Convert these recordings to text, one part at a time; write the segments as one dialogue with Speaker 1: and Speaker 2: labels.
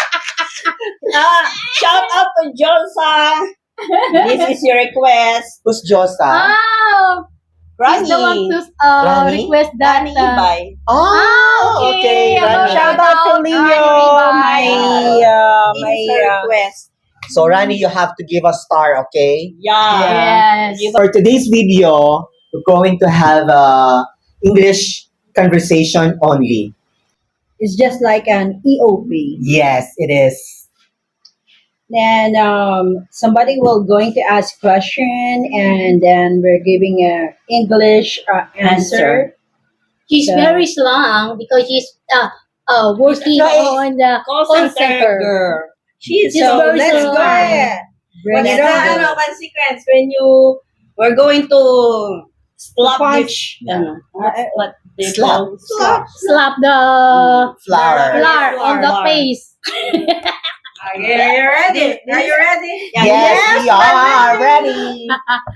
Speaker 1: Shout out to Josa. This is your request.
Speaker 2: Who's Josa?
Speaker 3: Ah, he's the one to
Speaker 2: Rani?
Speaker 3: request that.
Speaker 1: Rani Ibay.
Speaker 2: Oh, okay.
Speaker 3: about
Speaker 2: Rani.
Speaker 1: Shout out to Leo.
Speaker 3: Rani
Speaker 1: This
Speaker 2: my,
Speaker 1: is her request.
Speaker 2: So, Rani, you have to give a star, okay?
Speaker 1: Yeah.
Speaker 3: Yes.
Speaker 2: For today's video, we're going to have English conversation only.
Speaker 4: It's just like an EOP.
Speaker 2: Yes, it is.
Speaker 4: Then somebody will going to ask question, and then we're giving a English answer.
Speaker 3: She's
Speaker 4: So-
Speaker 3: very strong because she's working
Speaker 1: So,
Speaker 3: on the
Speaker 1: Call center girl. She's
Speaker 3: She's
Speaker 1: so
Speaker 3: very
Speaker 4: Let's
Speaker 3: strong.
Speaker 4: go ahead. Bring
Speaker 1: What's
Speaker 4: it
Speaker 1: the
Speaker 4: on.
Speaker 1: one sequence when you were going to slap
Speaker 4: Punch.
Speaker 1: what they
Speaker 2: Slap.
Speaker 1: call
Speaker 3: slap the
Speaker 2: Flower.
Speaker 3: flour on the
Speaker 1: Flour.
Speaker 3: face.
Speaker 1: Okay, are you ready? Are you ready?
Speaker 2: Yes, we are ready.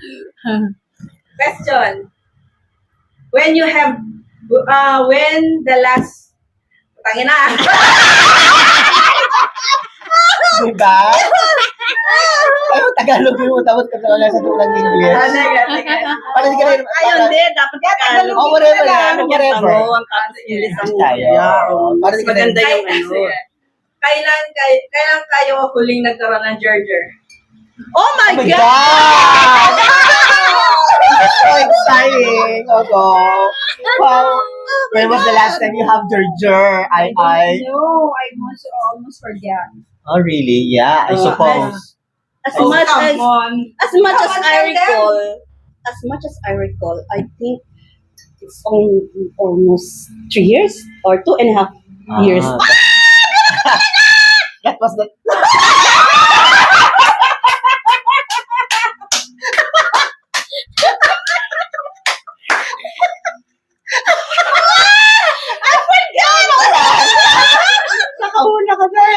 Speaker 1: Question. When you have when the last tangina.
Speaker 2: Diba? Ano Tagalog mo tapos wala sa tulang English? Para di ka rin.
Speaker 1: Ayun din, dapat Tagalog.
Speaker 2: Oh, whatever lang, whatever.
Speaker 1: Ang English ang
Speaker 2: Tayo. Para di ka rin.
Speaker 1: maganda yung ano. Kailan kayo huling nagkaroon ng Gerger? Oh my
Speaker 2: Oh my
Speaker 1: God!
Speaker 2: God! That's so exciting. Ogo. Wow. When was the last time you have Gerger? I.
Speaker 4: No, I almost forget.
Speaker 2: Oh, really? Yeah, I
Speaker 1: Oh,
Speaker 2: suppose.
Speaker 1: As
Speaker 2: Oh,
Speaker 1: much
Speaker 4: come
Speaker 1: as
Speaker 4: on.
Speaker 1: as much as I recall, I think it's almost 3 years or 2.5 years.
Speaker 2: That was the. Nakahula ka na.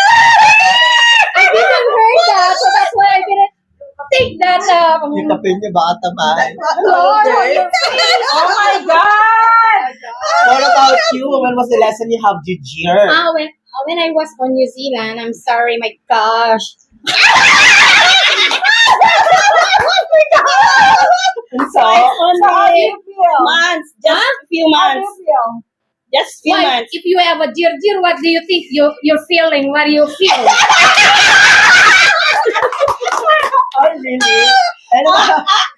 Speaker 3: I didn't heard that, so that's why I didn't take that.
Speaker 2: Yung kapin niya baka tamaan.
Speaker 3: Flour on your face.
Speaker 1: Oh my God!
Speaker 2: What about you? When was the last time you have Gerger?
Speaker 3: When I was on New Zealand, I'm sorry, my gosh.
Speaker 2: So,
Speaker 1: Only months, just a few months. Just few
Speaker 3: Why,
Speaker 1: months.
Speaker 3: if you have a jirjir, what do you think you're feeling? What do you feel?
Speaker 2: oh, really? Ano ba?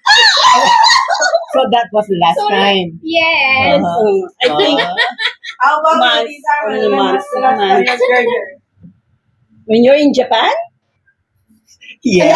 Speaker 2: So that was the last time.
Speaker 3: Yes.
Speaker 1: I think
Speaker 5: How about
Speaker 1: Months,
Speaker 5: you, Lisa?
Speaker 1: only months,
Speaker 5: The last time
Speaker 1: months.
Speaker 5: you had Gerger?
Speaker 1: when you're in Japan,
Speaker 2: Yeah.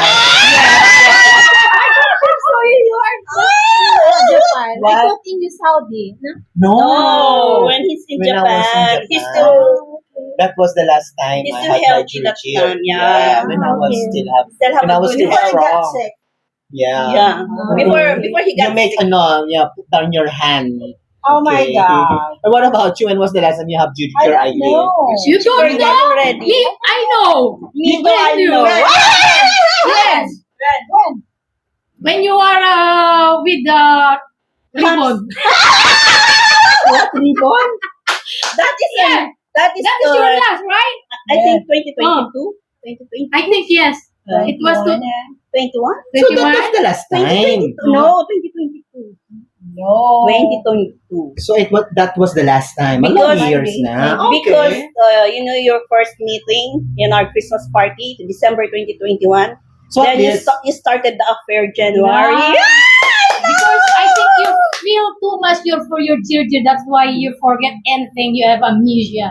Speaker 3: So you are Japan. I
Speaker 2: What?
Speaker 3: thought in Saudi. No?
Speaker 2: No.
Speaker 1: oh, when he's in
Speaker 2: When I was in
Speaker 1: Japan, he's
Speaker 2: Japan.
Speaker 1: still
Speaker 2: That was the last time
Speaker 1: He's
Speaker 2: I
Speaker 1: still
Speaker 2: had my
Speaker 1: healthy that
Speaker 2: Gerger.
Speaker 1: time, yeah.
Speaker 2: When I was
Speaker 3: Okay.
Speaker 2: still have.
Speaker 1: still have
Speaker 2: When I
Speaker 1: a
Speaker 2: was
Speaker 1: good
Speaker 2: still
Speaker 1: health.
Speaker 2: strong.
Speaker 4: sick.
Speaker 2: Yeah.
Speaker 1: Yeah. Before he
Speaker 2: You
Speaker 1: got
Speaker 2: make
Speaker 1: sick.
Speaker 2: put down your hand.
Speaker 4: Oh my
Speaker 2: Okay.
Speaker 4: God.
Speaker 2: And what about you? When was the last time you have
Speaker 4: I
Speaker 2: Gerger,
Speaker 4: don't
Speaker 2: Eileen?
Speaker 4: know.
Speaker 3: You don't
Speaker 1: Forget
Speaker 3: know?
Speaker 1: already.
Speaker 3: Me, I know.
Speaker 1: Me too,
Speaker 3: When
Speaker 1: I
Speaker 3: you-
Speaker 1: know.
Speaker 3: Yes. When you are with the ribbon.
Speaker 1: What ribbon? That is
Speaker 3: Yeah.
Speaker 1: that is,
Speaker 3: That is your last, right?
Speaker 1: I think 2022, 2020,
Speaker 3: I think yes. It was to
Speaker 1: 21.
Speaker 2: So that was the last time.
Speaker 1: No, 2022.
Speaker 4: No.
Speaker 1: 2022.
Speaker 2: So that was the last time.
Speaker 1: Because-
Speaker 2: Mga years na.
Speaker 1: Because
Speaker 2: Okay.
Speaker 1: you know your first meeting in our Christmas party, December 2021.
Speaker 2: So
Speaker 1: then
Speaker 2: at least,
Speaker 1: you started the affair January.
Speaker 3: Because I think you feel too much for your children. That's why you forget anything. You have amnesia.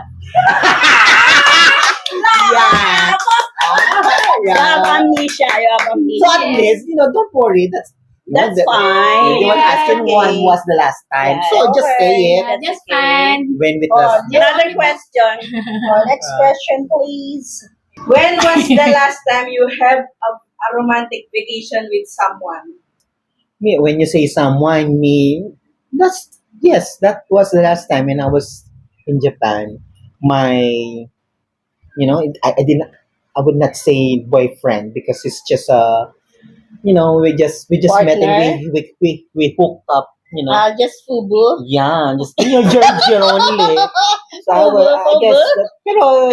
Speaker 2: yeah.
Speaker 1: You have
Speaker 2: yeah.
Speaker 1: amnesia. You have amnesia.
Speaker 2: So at least, don't worry.
Speaker 1: That's fine.
Speaker 2: You want
Speaker 3: Yeah.
Speaker 2: asking when was the last time.
Speaker 1: Yeah,
Speaker 2: So just say it.
Speaker 3: Yeah, just
Speaker 1: okay.
Speaker 3: fine.
Speaker 2: When with
Speaker 4: Oh,
Speaker 2: the
Speaker 1: Another question.
Speaker 4: Next question, please.
Speaker 5: When was the last time you have a romantic vacation with someone?
Speaker 2: me, when you say someone, that was the last time when I was in Japan. My, I would not say boyfriend because it's just we just met
Speaker 1: Partner?
Speaker 2: and we hooked up.
Speaker 1: Just fubu.
Speaker 2: Yeah, just in your Georgia only. I guess, pero,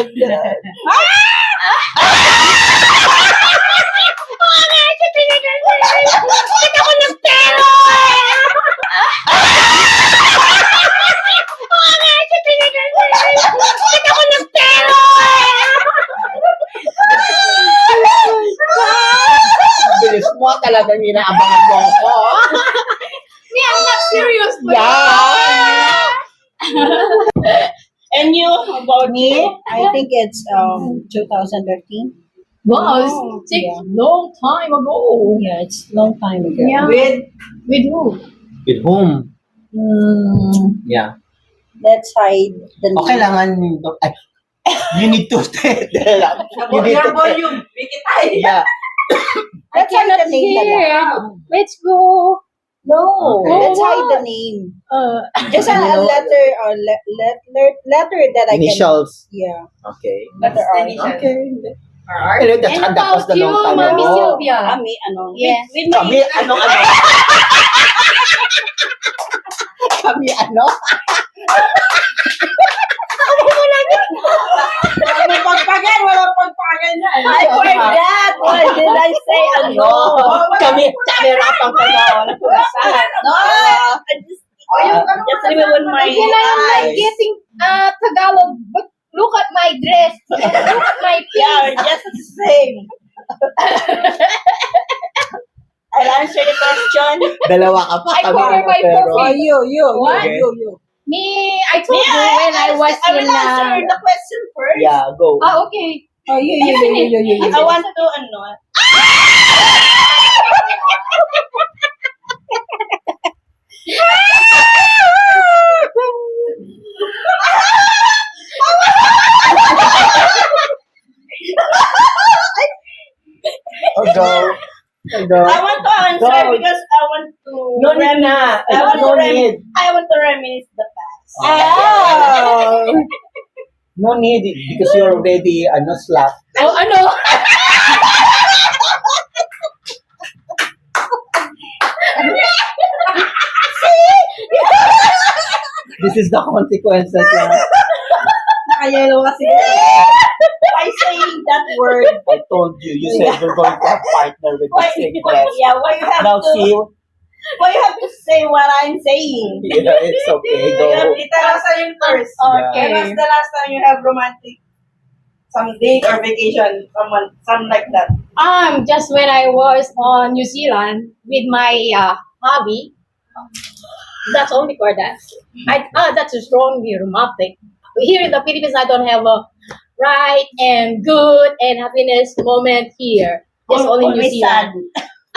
Speaker 2: bilis mo talagang inaabangan mo ako.
Speaker 3: Me, I'm not serious.
Speaker 2: Yeah.
Speaker 1: And you, how about
Speaker 4: Me,
Speaker 1: you?
Speaker 4: I think it's 2013.
Speaker 3: Wow,
Speaker 4: Oh,
Speaker 3: it's
Speaker 4: yeah.
Speaker 3: long time ago.
Speaker 4: Yeah, it's long time ago.
Speaker 3: Yeah. With who?
Speaker 2: With whom? Yeah.
Speaker 4: Let's hide the
Speaker 2: O kailangan, ay, you need to, you need
Speaker 5: Your
Speaker 2: to,
Speaker 5: volume. Make it high.
Speaker 2: yeah.
Speaker 4: Let's hide the name na lang.
Speaker 3: Here. Let's go.
Speaker 4: No,
Speaker 2: Okay.
Speaker 4: let's hide the name. Just
Speaker 2: Okay, you
Speaker 4: a
Speaker 2: know-
Speaker 4: letter or letter that I
Speaker 2: Initials.
Speaker 4: can. Yeah.
Speaker 2: Okay.
Speaker 4: Letter R.
Speaker 2: Okay. Anyway, that's,
Speaker 3: And
Speaker 2: that was
Speaker 3: about
Speaker 2: the
Speaker 3: you,
Speaker 2: long time
Speaker 3: Mami
Speaker 2: ago.
Speaker 3: Sylvia?
Speaker 1: Kami, ano?
Speaker 3: Yes.
Speaker 1: With my,
Speaker 2: Kami, ano? Kami, ano?
Speaker 5: Walang pagpagan. Walang pagpagan yan.
Speaker 1: I forgot. Why did I say ano?
Speaker 2: Kami, nahirapan ka na. Wala ko nasahan.
Speaker 1: No, I just remember my
Speaker 3: Again, I'm like
Speaker 1: eyes.
Speaker 3: getting Tagalog, but look at my dress. Look at my
Speaker 1: Yeah,
Speaker 3: face.
Speaker 1: just the same. I'll answer the question.
Speaker 2: Dalawa ka pa.
Speaker 3: I
Speaker 2: Kami,
Speaker 3: cover
Speaker 2: ano,
Speaker 3: my
Speaker 2: pero.
Speaker 3: profile.
Speaker 4: You.
Speaker 3: What?
Speaker 4: You.
Speaker 3: Me, I told you when I was
Speaker 1: I will
Speaker 3: in
Speaker 1: answer the question first.
Speaker 2: Yeah, go.
Speaker 3: okay.
Speaker 4: Oh, you.
Speaker 1: I want to, ano,
Speaker 2: Oh, go. Oh, go.
Speaker 1: I want to answer
Speaker 2: Go.
Speaker 1: because I want to
Speaker 2: No need na.
Speaker 1: I want
Speaker 2: No
Speaker 1: to
Speaker 2: need.
Speaker 1: I want to reminisce the past.
Speaker 2: Oh. No need because you're already slap.
Speaker 3: Oh, ano?
Speaker 2: This is the consequences.
Speaker 1: Nakayelo kasi. By saying that word,
Speaker 2: I told you. You said you're going to have partner with the
Speaker 1: why,
Speaker 2: same dress.
Speaker 1: yeah, why you have
Speaker 2: Now
Speaker 1: to,
Speaker 2: see,
Speaker 1: why you have to say what I'm saying?
Speaker 2: yeah, it's okay. Go.
Speaker 5: Tell us yun first.
Speaker 2: Okay.
Speaker 5: When was the last time you have romantic some date or vacation? Something like that.
Speaker 3: Just when I was on New Zealand with my hobby. That's only for that. That's a strongly romantic. Here in the Philippines, I don't have a right and good and happiness moment here. It's only New
Speaker 1: Always sad.
Speaker 3: Zealand.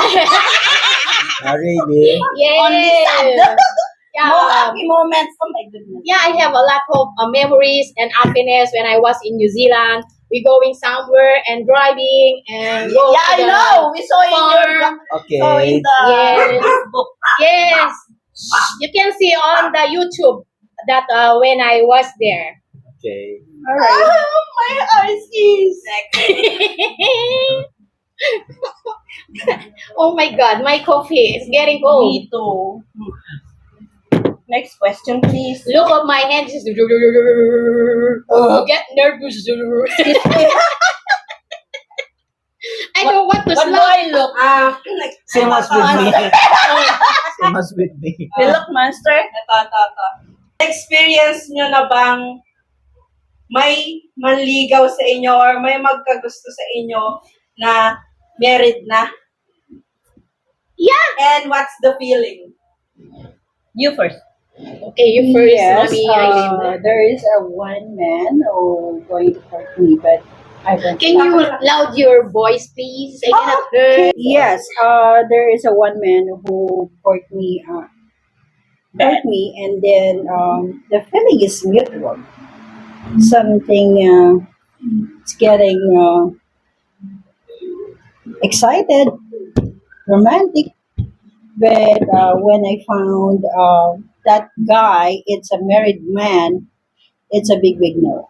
Speaker 2: Really?
Speaker 1: Only sad.
Speaker 3: Yes.
Speaker 1: No
Speaker 3: Yeah.
Speaker 1: happy moments. Oh my goodness.
Speaker 3: Yeah, I have a lot of memories and happiness when I was in New Zealand. We going somewhere and driving and go
Speaker 1: Yeah, I
Speaker 3: to the
Speaker 1: know. We saw in your
Speaker 3: farm.
Speaker 2: Okay.
Speaker 1: saw in the
Speaker 3: Yes.
Speaker 1: book.
Speaker 3: Yes, you can see on the YouTube that when I was there.
Speaker 2: Okay.
Speaker 1: Oh, my eyes is.
Speaker 3: Oh my God, my coffee is getting cold.
Speaker 1: Me too. Next question, please.
Speaker 3: Look at my hands. Get nervous. I don't want to
Speaker 1: What do
Speaker 3: slap.
Speaker 1: I look?
Speaker 2: Same as with me. Same as with me.
Speaker 1: You look monster?
Speaker 5: Ito. Experience nyo na bang may manligaw sa inyo or may magkagusto sa inyo na married na?
Speaker 3: Yeah.
Speaker 5: And what's the feeling?
Speaker 1: You first.
Speaker 3: Okay, you first,
Speaker 4: Yes,
Speaker 3: Mommy Eileen.
Speaker 4: there is a one man who going to court me, but I don't.
Speaker 3: Can you loud your voice, please? I cannot hear.
Speaker 4: Yes, there is a one man who court me, and then the feeling is mutual. Something it's getting excited, romantic. But when I found that guy, it's a married man. It's a big no.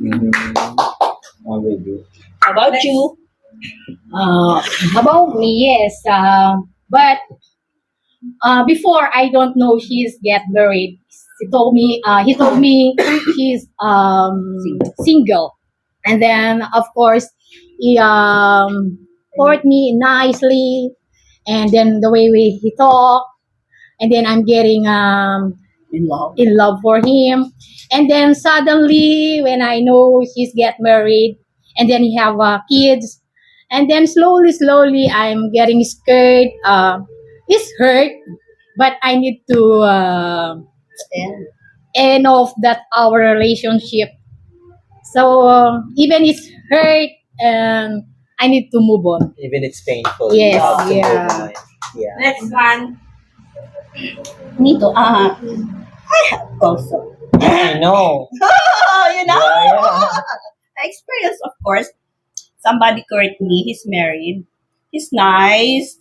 Speaker 2: Oh, really?
Speaker 1: How about you?
Speaker 3: About me, yes. But before I don't know she's get married. he told me he's single. And then, of course, he courted me nicely. And then the way he talked, and then I'm getting
Speaker 4: In love.
Speaker 3: for him. And then suddenly, when I know he's get married, and then he have kids, and then slowly, I'm getting scared. It's hurt, but I need to end off that our relationship. So even it's hurt, and I need to move on.
Speaker 2: Even it's painful.
Speaker 3: Yes,
Speaker 2: you have to move
Speaker 3: yeah.
Speaker 2: on. Yeah.
Speaker 5: Next one.
Speaker 1: Me too. I have also.
Speaker 2: I know.
Speaker 1: You know?
Speaker 2: Yeah.
Speaker 1: I experienced, of course, somebody court me. He's married. He's nice.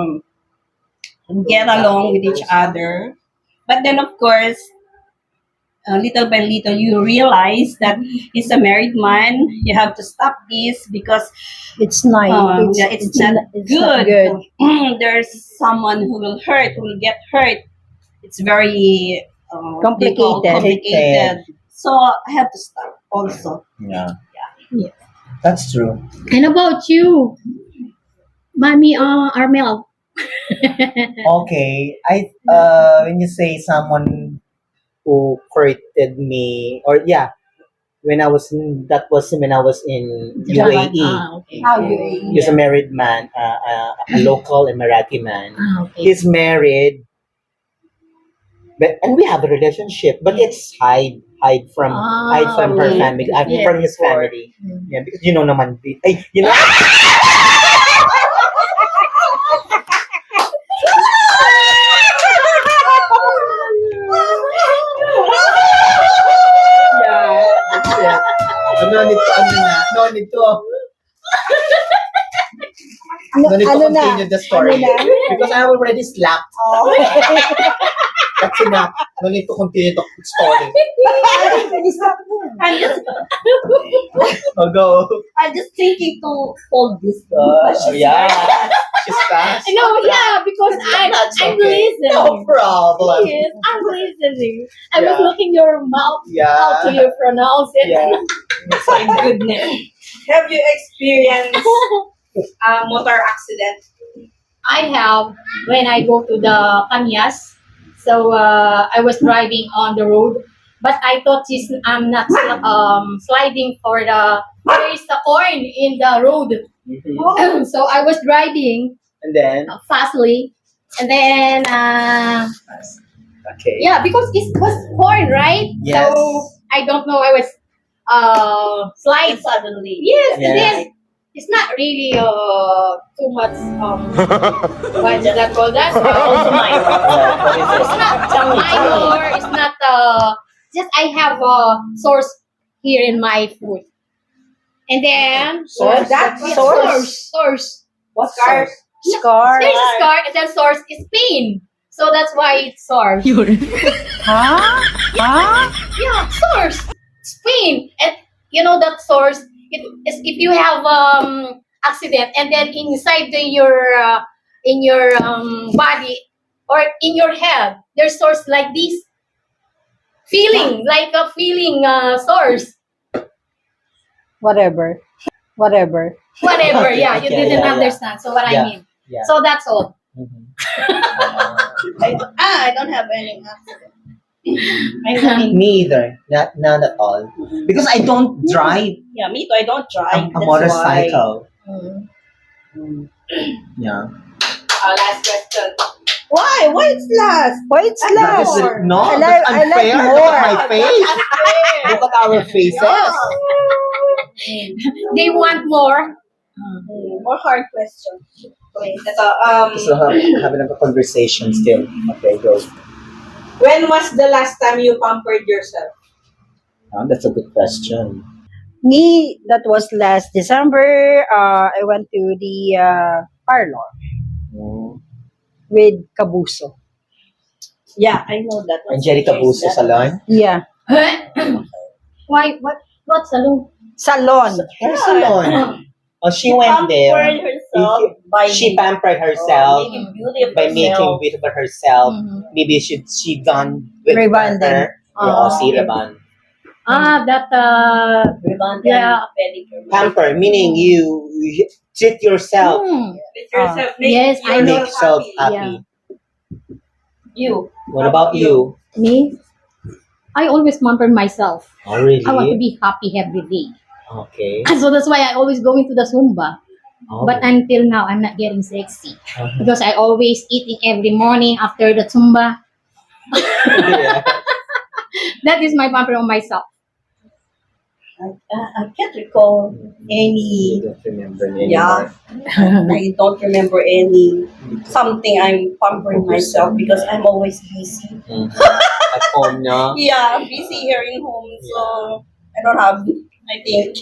Speaker 1: Get along with each other. But then, of course, little by little, you realize that he's a married man. You have to stop this because
Speaker 4: It's nice.
Speaker 1: it's not
Speaker 4: it's
Speaker 1: good.
Speaker 4: not good.
Speaker 1: There's someone who will hurt, who will get hurt. It's very
Speaker 4: Complicated.
Speaker 1: complicated. So I have to stop also.
Speaker 2: Yeah.
Speaker 3: Yeah.
Speaker 2: That's true.
Speaker 3: And about you, Mommy Armel?
Speaker 2: Okay. When you say someone who courted me, or yeah, that was when I was in UAE.
Speaker 3: Okay.
Speaker 1: How you
Speaker 2: He's a married man, a local Emirati man.
Speaker 3: Okay.
Speaker 2: He's married, and we have a relationship, but it's hide from her
Speaker 3: okay.
Speaker 2: family,
Speaker 3: Yes.
Speaker 2: from his family. Yeah, because you know naman, you know. Yeah, that's it. No need to. No need to
Speaker 4: Ano na?
Speaker 2: continue the story.
Speaker 4: Ano na?
Speaker 2: Because I already slapped.
Speaker 4: Oh.
Speaker 2: That's enough. No need to continue the story.
Speaker 1: I'm just,
Speaker 2: Oh, go.
Speaker 1: I'm just thinking to hold this.
Speaker 2: Yeah. She's fast.
Speaker 3: No, yeah, because
Speaker 2: That's
Speaker 3: I'm
Speaker 2: okay.
Speaker 3: listening.
Speaker 2: No problem.
Speaker 3: Yes, I'm listening. I was
Speaker 2: Yeah.
Speaker 3: looking your mouth,
Speaker 2: Yeah.
Speaker 3: how do you pronounce it?
Speaker 2: Yeah.
Speaker 1: My goodness.
Speaker 5: Have you experienced a motor accident?
Speaker 3: I have when I go to the Kanyas. So I was driving on the road, but I thought I'm not sliding for there is a corn in the road.
Speaker 2: Mhm.
Speaker 3: So I was driving
Speaker 2: And then,
Speaker 3: fastly, and then
Speaker 2: okay.
Speaker 3: yeah, because it was corn, right?
Speaker 2: Yes.
Speaker 3: So I don't know. I was slide
Speaker 1: Suddenly.
Speaker 3: Yes,
Speaker 2: Yeah.
Speaker 3: it is. It's not really too much what is that called? That
Speaker 1: Also minor.
Speaker 3: it's not minor. It's not just I have a source here in my foot, and then
Speaker 1: Source?
Speaker 3: that
Speaker 1: What
Speaker 3: source.
Speaker 1: What
Speaker 5: Scars?
Speaker 4: Scar.
Speaker 3: There's a scar, and then source is pain. So that's why it's source.
Speaker 4: Huh? Huh?
Speaker 3: Yeah, source. It's pain, and you know that source. It is if you have accident, and then inside in your body or in your head, there's source like this feeling, like a feeling source.
Speaker 4: Whatever.
Speaker 3: Whatever.
Speaker 2: Okay,
Speaker 3: Yeah, you
Speaker 2: okay,
Speaker 3: didn't
Speaker 2: yeah, yeah.
Speaker 3: understand. So what
Speaker 2: Yeah.
Speaker 3: I mean.
Speaker 2: Yeah.
Speaker 3: So that's all.
Speaker 2: Mhm.
Speaker 1: I don't have any accident. I mean,
Speaker 2: Me either. Not at all. Because I don't drive
Speaker 1: yeah, me too. I don't drive.
Speaker 2: a
Speaker 1: that's
Speaker 2: motorcycle.
Speaker 1: why.
Speaker 2: Yeah.
Speaker 5: Last question.
Speaker 1: Why? Why it's last?
Speaker 4: Why it's
Speaker 2: That
Speaker 4: last?
Speaker 2: is no,
Speaker 4: I
Speaker 2: that's
Speaker 4: like
Speaker 2: unfair. Look
Speaker 4: more.
Speaker 2: at my face. Look at our faces.
Speaker 3: They want more.
Speaker 1: More hard question.
Speaker 5: Okay, ito,
Speaker 2: So having a conversation still. Okay, go.
Speaker 5: when was the last time you pampered yourself?
Speaker 2: That's a good question.
Speaker 4: Me, that was last December. I went to the parlor
Speaker 2: Mm.
Speaker 4: with Kabuso.
Speaker 1: Yeah, I know that.
Speaker 2: Angelica Buso Salon.
Speaker 4: Yeah.
Speaker 3: Why? What salon?
Speaker 4: Salon.
Speaker 2: Her salon. Oh, she went
Speaker 1: Pampered
Speaker 2: there.
Speaker 1: herself by
Speaker 2: She pampered herself
Speaker 1: making beauty of
Speaker 2: by making
Speaker 1: herself.
Speaker 2: beautiful herself.
Speaker 3: Mhm.
Speaker 2: Maybe she done with
Speaker 4: Rebonding.
Speaker 2: her. Rebond.
Speaker 3: That
Speaker 1: Rebond
Speaker 3: Yeah.
Speaker 1: and pedicure.
Speaker 2: Pamper meaning you treat yourself,
Speaker 5: With yourself. Make
Speaker 3: Yes, I know.
Speaker 2: make yourself
Speaker 5: happy.
Speaker 2: happy.
Speaker 1: You.
Speaker 2: What about you?
Speaker 3: me. I always pamper myself.
Speaker 2: Oh, really?
Speaker 3: I want to be happy every day.
Speaker 2: Okay.
Speaker 3: So that's why I always go into the Zumba.
Speaker 2: Oh.
Speaker 3: But until now, I'm not getting sexy
Speaker 2: Uh-huh.
Speaker 3: because I always eating every morning after the Zumba.
Speaker 2: Yeah.
Speaker 3: That is my pamper on myself.
Speaker 1: I can't recall
Speaker 2: You
Speaker 1: any.
Speaker 2: don't remember anymore.
Speaker 1: Yeah. I don't remember any something I'm pampering myself because I'm always busy.
Speaker 2: Mhm. At home, no?
Speaker 1: Yeah, I'm busy here in home, so I don't have. I think.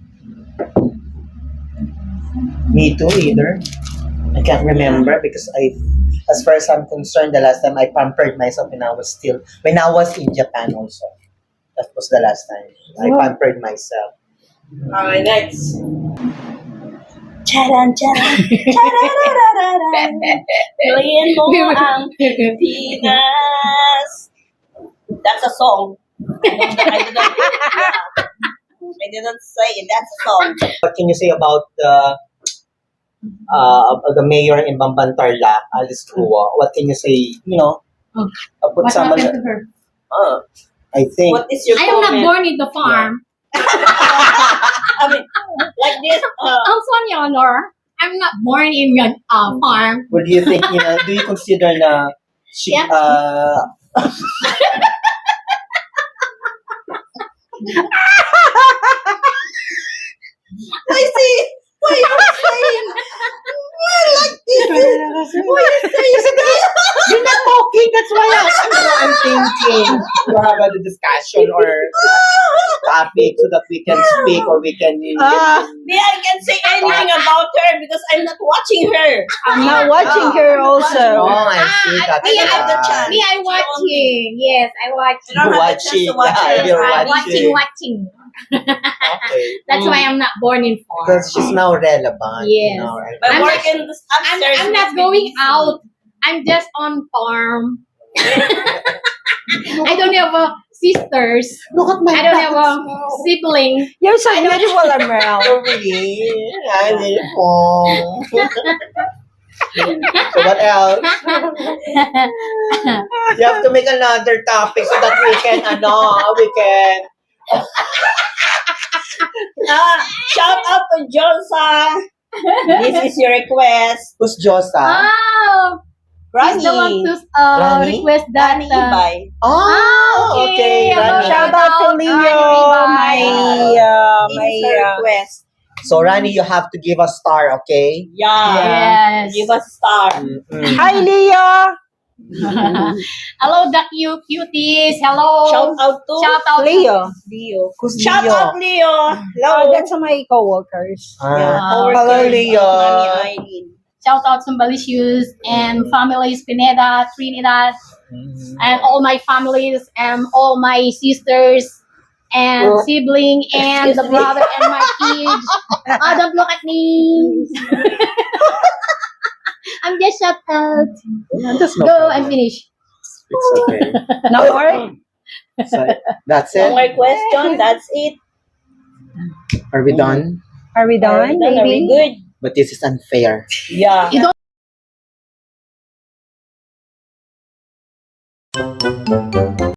Speaker 2: Me too, either. I can't remember because as far as I'm concerned, the last time I pampered myself when I was in Japan also. That was the last time I pampered myself.
Speaker 5: Okay, next.
Speaker 1: Charan, charan, charararararan. Piliin mo ang Pilipinas. That's a song. I didn't say it. That's a song.
Speaker 2: What can you say about the mayor in Bambantarla, Alice Crua? What can you say? You know, put
Speaker 3: What
Speaker 2: some.
Speaker 3: happened to her?
Speaker 2: I think.
Speaker 1: What is your
Speaker 3: I am not
Speaker 1: comment?
Speaker 3: born in the farm.
Speaker 1: I mean, like this.
Speaker 3: I'm Sonia Honor. I'm not born in your farm.
Speaker 2: What do you think? You know, do you consider na she
Speaker 3: Yeah.
Speaker 1: I see. Why you're saying? Like this. Why you saying that?
Speaker 2: You're not talking. That's why I'm thinking to have a discussion or topic so that we can speak or we can.
Speaker 1: Me, I can say anything about her because I'm not watching her.
Speaker 4: I'm not watching her
Speaker 2: Oh,
Speaker 4: also.
Speaker 2: I see. That's
Speaker 1: I don't have the
Speaker 2: why.
Speaker 1: chance.
Speaker 3: Me, I watching. Yes, I watch.
Speaker 1: I don't have the chance
Speaker 2: Watching.
Speaker 1: to watch
Speaker 2: Yeah,
Speaker 1: her.
Speaker 2: you're
Speaker 3: I'm
Speaker 2: watching.
Speaker 3: watching.
Speaker 2: Okay.
Speaker 3: That's why I'm not born in farm.
Speaker 2: Because she's now relevant.
Speaker 3: Yes.
Speaker 2: You know, right?
Speaker 1: My
Speaker 3: I'm
Speaker 1: work
Speaker 3: not-
Speaker 1: in the upstairs.
Speaker 3: I'm not
Speaker 1: must be
Speaker 3: going
Speaker 1: busy.
Speaker 3: out. I'm just on farm. I don't have sisters.
Speaker 2: Look at my
Speaker 3: I don't have a sibling.
Speaker 4: You're so beautiful, Amel.
Speaker 2: Oh, really? I did it wrong. So what else? You have to make another topic so that we can
Speaker 1: Shout out to Josa. This is your request.
Speaker 2: Who's Josa?
Speaker 3: Oh, he's the one
Speaker 1: Rani.
Speaker 3: to
Speaker 2: Rani?
Speaker 3: request that.
Speaker 1: Rani Ibay.
Speaker 2: Oh, okay.
Speaker 3: hello,
Speaker 2: Rani.
Speaker 4: Shout out to Leo, my
Speaker 1: This is her request.
Speaker 2: So Rani, you have to give a star, okay?
Speaker 1: Yeah.
Speaker 3: Yes.
Speaker 1: Give us a star.
Speaker 2: Mm-mm.
Speaker 4: Hi, Leo.
Speaker 3: Hello, the cute cuties. Hello.
Speaker 1: Shout out to
Speaker 3: Shout out
Speaker 4: Leo.
Speaker 1: Leo.
Speaker 2: Who's
Speaker 1: Shout
Speaker 2: Leo?
Speaker 1: out Leo.
Speaker 4: Oh,
Speaker 1: Hello.
Speaker 4: that's my co-workers.
Speaker 1: Coworkers
Speaker 2: Hello,
Speaker 1: of
Speaker 2: Leo.
Speaker 1: Mami Aileen.
Speaker 3: Shout out to Malicious and families Pineda, Trinidad, and all my families and all my sisters and sibling and the brother and my kids. Oh, don't look at me. I'm just shout out.
Speaker 2: Yeah, that's no
Speaker 3: Go
Speaker 2: problem.
Speaker 3: and finish.
Speaker 2: It's okay.
Speaker 4: No more?
Speaker 2: So, that's
Speaker 1: No
Speaker 2: it.
Speaker 1: more question. That's it.
Speaker 2: Are we done?
Speaker 4: Are we done,
Speaker 1: Are we
Speaker 4: baby?
Speaker 1: good?
Speaker 2: But this is unfair.
Speaker 1: Yeah.
Speaker 3: You don't